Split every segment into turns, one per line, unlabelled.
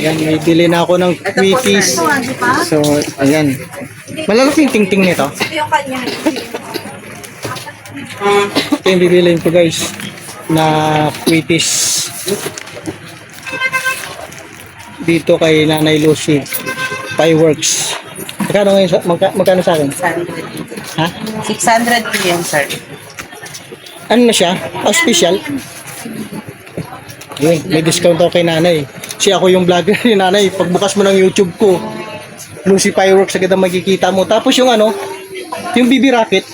Ayan, may bili na ako ng Quickies. So, ayan. Malalaki yung tingting nito. Ito yung bibiliin ko guys na Quickies dito kay Nanay Lucy Fireworks. Magkano ngayon magkano sa akin?
600.
Ha?
600 million, sir.
Ano na siya? Special? Ayun, may discount ako kay Nanay. Kasi ako yung vlogger ni Nanay. Pagbukas mo ng YouTube ko, Lucy Fireworks agad ang makikita mo. Tapos yung ano, yung BB Rocket.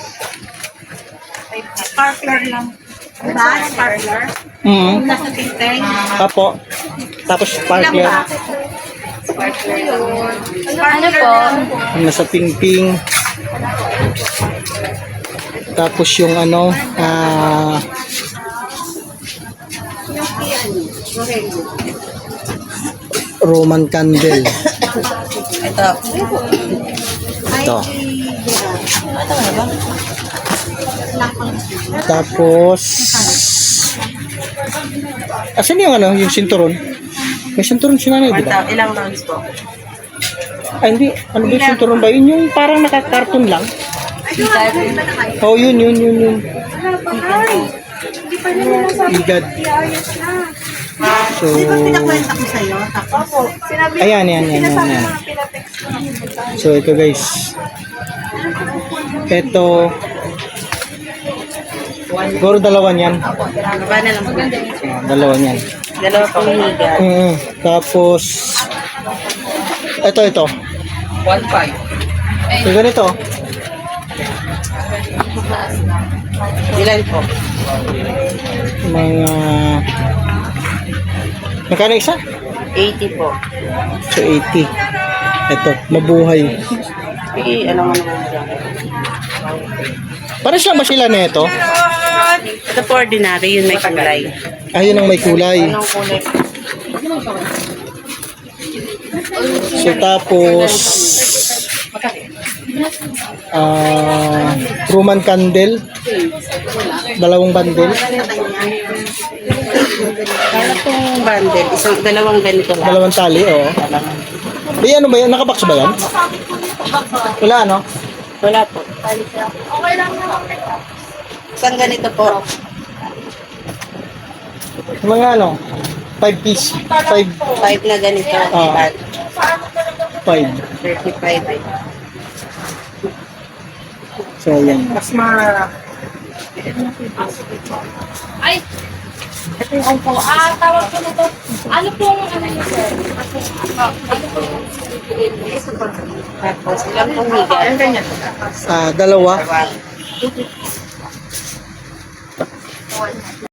Sparkler lang. Ba? Sparkler? Nasa tinteng.
Apo. Tapos sparkler.
Sparkler yun. Ano po?
Nasa ping-ping. Tapos yung ano, Roman candle.
Ito.
Ito. Tapos asan yung ano, yung sinturon? May sinturon si Nanay, di ba?
Ilang rounds po?
Ay, hindi. Ano ba yung sinturon ba? Yun yung parang nakakarton lang. Oh, yun. Igad. So,
Pinakwenta ko sa'yo. Tapos,
ayan. So, ito guys. Ito. Siguro dalawa niyan.
baba na lang po.
Dalawa niyan.
Dalawa pong higa.
Tapos, ito.
1.5.
So, ganito.
Ilan po?
Mga magkano isa?
80 po.
So 80. Ito, mabuhay.
Ano nga naman dyan?
Pares lang ba sila na ito?
Ito po ordinary, yun may kulay.
Ayun ang may kulay.
Anong kulay?
So tapos Roman candle. Dalawang bundle.
Kala pong bundle, dalawang ganito lang.
Dalawang tali, oo. Di ano ba yan? Nakabox ba yan? Wala ano?
Wala po. Isang ganito po.
Mga ano? 5 piece. 5.
5 na ganito.
Ah. 5.
35 eh.
So yan.
Mas ma...
Ay! Ito yung po. Tawag ko na to. Ano pong ano niyo, sir?
Tapos, ilang pong higa?
Dalawa.